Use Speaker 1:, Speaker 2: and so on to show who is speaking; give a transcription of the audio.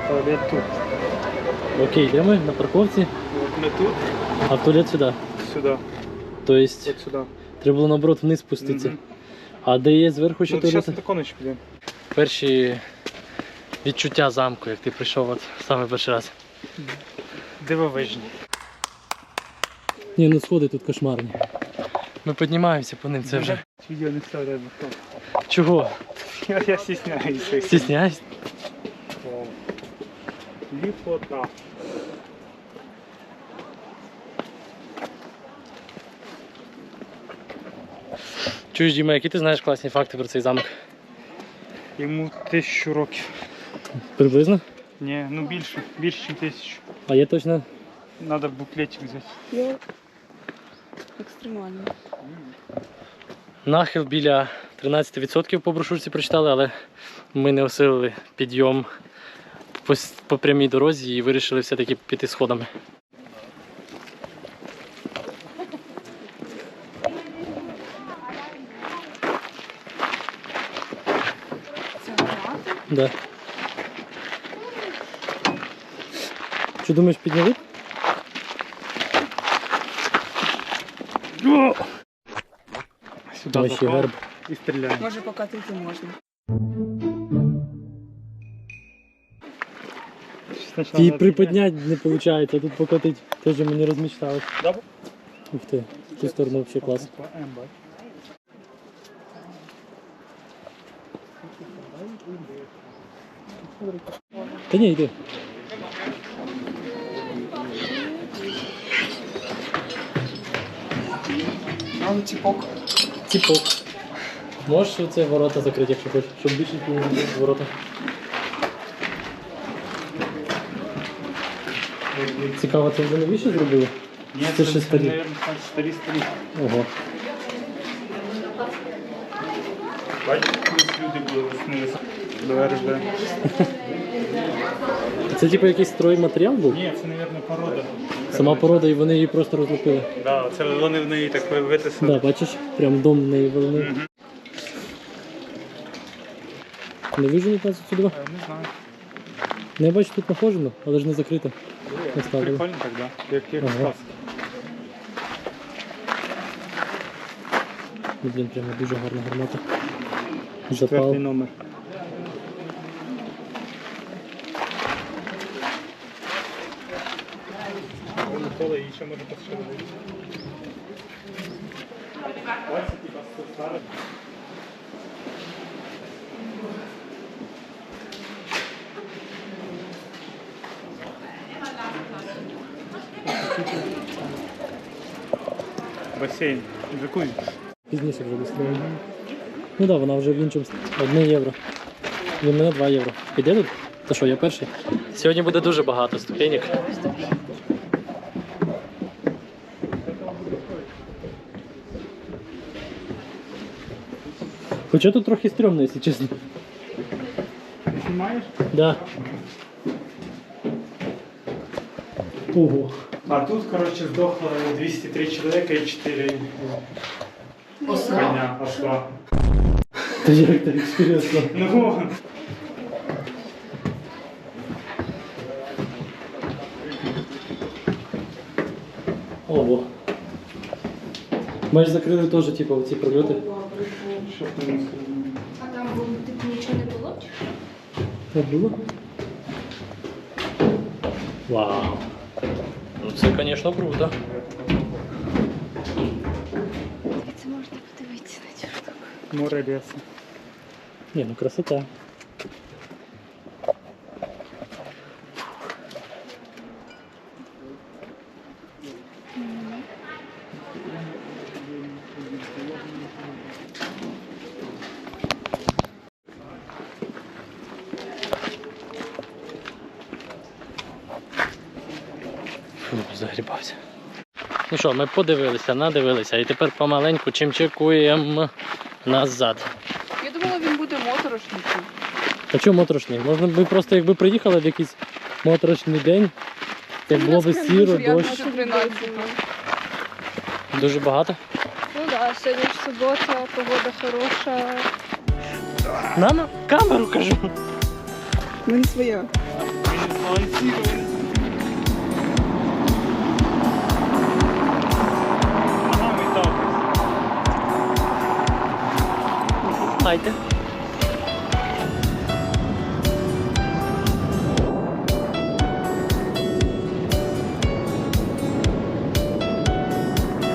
Speaker 1: Туалет тут.
Speaker 2: Окей, де ми? На парковці?
Speaker 1: Вот мы тут.
Speaker 2: А в туалет сюди?
Speaker 1: Сюда.
Speaker 2: Тобто,
Speaker 1: Вот сюда.
Speaker 2: треба було наоборот вниз спуститися.
Speaker 1: Мгм.
Speaker 2: А де є зверху ще
Speaker 1: Ну, сейчас
Speaker 2: туалет?
Speaker 1: на таку ночь підемо.
Speaker 2: Перші відчуття замку, як ти прийшов от саме перший раз.
Speaker 1: Дивовижні.
Speaker 2: Ні, ну сходи тут кошмарні. Ми піднімаємося по ним, це вже.
Speaker 1: Відео не вставляй, бо
Speaker 2: Чого?
Speaker 1: я стесняюся.
Speaker 2: Стісняєшся?
Speaker 1: Ліпота.
Speaker 2: Чуєш, Діма, які ти знаєш класні факти про цей замок?
Speaker 1: Йому 1000 років.
Speaker 2: Приблизно?
Speaker 1: Ні, ну більше, ніж 1000.
Speaker 2: А є точно?
Speaker 1: Надо буклетик взяти.
Speaker 3: Я екстремально.
Speaker 2: Нахил біля 13% по брошурці прочитали, але ми не осилили підйом по прямій дорозі і вирішили все-таки піти сходами.
Speaker 3: Це гарно.
Speaker 2: Да. Що думаєш, підняли?
Speaker 1: Сюди
Speaker 2: Там ще герб.
Speaker 1: і стріляємо.
Speaker 3: Може покатити можна.
Speaker 2: Ті приподняти не виходить, а тут покотить теж ми не розмічтали. Ух ти, в ту сторону взагалі клас. Та ні, йди.
Speaker 3: Але тіпок.
Speaker 2: Ціпок. Можеш оце ворота закрити, якщо хочеш, щоб більше не було ворота. Цікаво, це вже новіше зробили?
Speaker 1: Ні,
Speaker 2: Це ще старі.
Speaker 1: мабуть, старі.
Speaker 2: Ого.
Speaker 1: Бачите, колись люди були веснилися до РЖ.
Speaker 2: Це типу якийсь стройматеріал був?
Speaker 1: Ні, це, мабуть, порода.
Speaker 2: Сама порода і вони її просто розлупили.
Speaker 1: Да, це вони в неї так витисали.
Speaker 2: Да, бачиш, прям дом в неї вели.
Speaker 1: Мгм.
Speaker 2: Не виженуть нас сюди?
Speaker 1: Не знаю.
Speaker 2: Не бачу, тут нахожено, але ж не закрито. Оставили.
Speaker 1: Прикольно так, да? Як
Speaker 2: Ага.
Speaker 1: сказка.
Speaker 2: Ну, блін, прямо дуже гарна гармата.
Speaker 1: 4-й
Speaker 2: Запал.
Speaker 1: номер. Микола її ще може посилити. Бачите, типа, старе. Басейн. Джакузі.
Speaker 2: Пізніше вже достроєно. Ну так, да, вона вже в іншому. 1 євро. Для мене 2 євро. Піде тут? Та що, я перший? Сьогодні буде дуже багато ступенек. Хоча тут трохи стрьомно, якщо чесно.
Speaker 1: Ти знімаєш?
Speaker 2: Да. Ого.
Speaker 1: А тут, короче, сдохло 203 человека и 4 коня осла.
Speaker 2: Та як так інтересно.
Speaker 1: Ну,
Speaker 2: Ого. Ми ж закрили теж, типу, ці прольоти.
Speaker 1: що ти не сказав?
Speaker 4: А там типу нічого не було?
Speaker 2: Так було? Вау. Ну це, звісно, круто.
Speaker 4: Це можна подивитися на цю штуку.
Speaker 1: Море леса.
Speaker 2: Ні, ну красота. Фу, загрібався. Ну що, ми подивилися, надивилися і тепер помаленьку чимчикуємо назад.
Speaker 3: Я думала, він буде моторошніший.
Speaker 2: А чому моторошний? Можна б просто якби приїхали в якийсь моторошний день, як було б сіро, дощ.
Speaker 3: 13.
Speaker 2: Дуже багато.
Speaker 4: Ну так, да, сьогодні ж субота, погода хороша.
Speaker 2: На камеру кажу.
Speaker 3: Ну не своя.
Speaker 1: Він Анонсировали. Ага, ми так.
Speaker 2: Хайте.